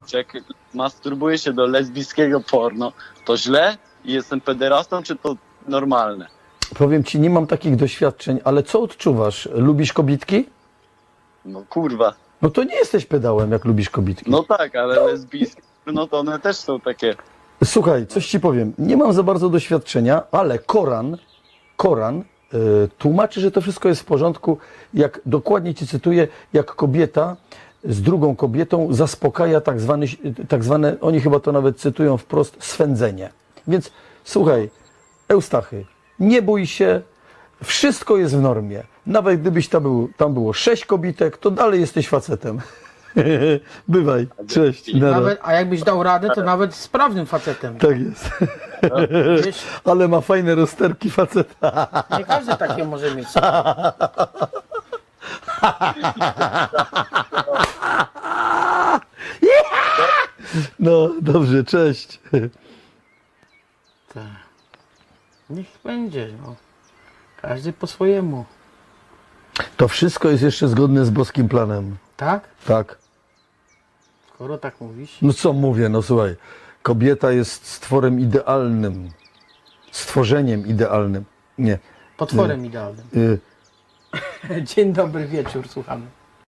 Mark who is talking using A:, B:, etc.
A: jak masturbuję się do lesbijskiego porno, to źle i jestem pederastą, czy to normalne?
B: Powiem ci, nie mam takich doświadczeń, ale co odczuwasz? Lubisz kobitki?
A: No kurwa.
B: No to nie jesteś pedałem, jak lubisz kobitki.
A: No tak, ale lesbijskie, no to one też są takie.
B: Słuchaj, coś ci powiem. Nie mam za bardzo doświadczenia, ale Koran tłumaczy, że to wszystko jest w porządku. Jak dokładnie ci cytuję, jak kobieta z drugą kobietą zaspokaja tak zwane, oni chyba to nawet cytują wprost, swędzenie. Więc słuchaj, Eustachy, nie bój się, wszystko jest w normie. Nawet gdybyś tam było 6 kobitek, to dalej jesteś facetem. Bywaj, cześć.
C: Nawet, a jakbyś dał radę, to nawet sprawnym facetem.
B: Tak jest.
C: Wiesz,
B: Ale ma fajne rozterki faceta.
C: nie każdy takie może mieć.
B: No, dobrze, cześć.
C: Tak. Niech będzie, no. Każdy po swojemu.
B: To wszystko jest jeszcze zgodne z boskim planem.
C: Tak?
B: Tak.
C: Skoro tak mówisz.
B: No co mówię, no słuchaj. Kobieta jest stworem idealnym. Stworzeniem idealnym. Nie.
C: Potworem idealnym. Dzień dobry wieczór, słuchamy.